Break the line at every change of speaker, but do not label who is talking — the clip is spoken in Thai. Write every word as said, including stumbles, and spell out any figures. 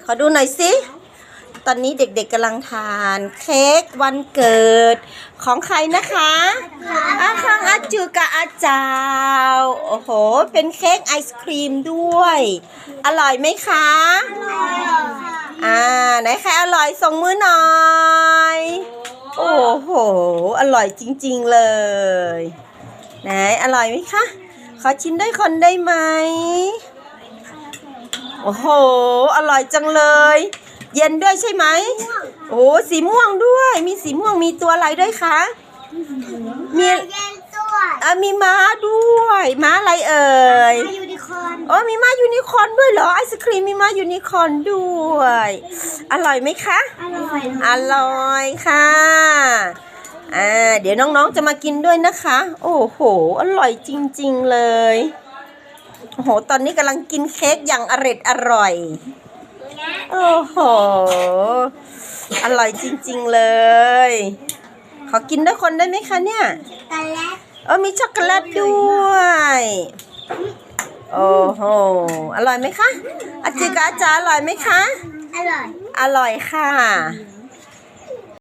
ขอดูหน่อยสิตอนนี้เด็กๆกำลังทานเค้กวันเกิดของใครนะคะอาคังอาจูกับอาจาวโอ้โหเป็นเค้กไอศครีมด้วยอร่อยไหมคะอ่าไหนใครอร่อยส่งมือหน่อยโอ้โหอร่อยจริงๆเลยไหนอร่อยไหมคะขอชิมด้วยคนได้ไหมโอ้โหอร่อยจังเลยเย็นด้วยใช่ไหมโอ้สีม่วงด้วยมีสีม่วงมีตัวอะไรด้วยคะมีอ่ะมีม้าด้วยม้าอะไรเอ่ย
ยูนิคอร์น
อ๋อมีม้ายูนิคอร์นด้วยเหรอไอศครีมมีม้ายูนิคอร์นด้วยอร่อยไหมคะ
อร่อย
อร่อยค่ะอ่าเดี๋ยวน้องๆจะมากินด้วยนะคะโอ้โหอร่อยจริงๆเลยโอ้โหตอนนี้กำลังกินเค้กอย่างอร่อยอร่อยโอ้โหอร่อยจริงๆเลยขอกินด้วยคนได้ไหมคะเนี่ย
ช็อกโกแลต
เออมีช็อกโกแลตด้วยโอ้โหอร่อยไหมคะอาจิกาอาจารย์อร่อยไหมคะ
อร่อย
อร่อยค่ะ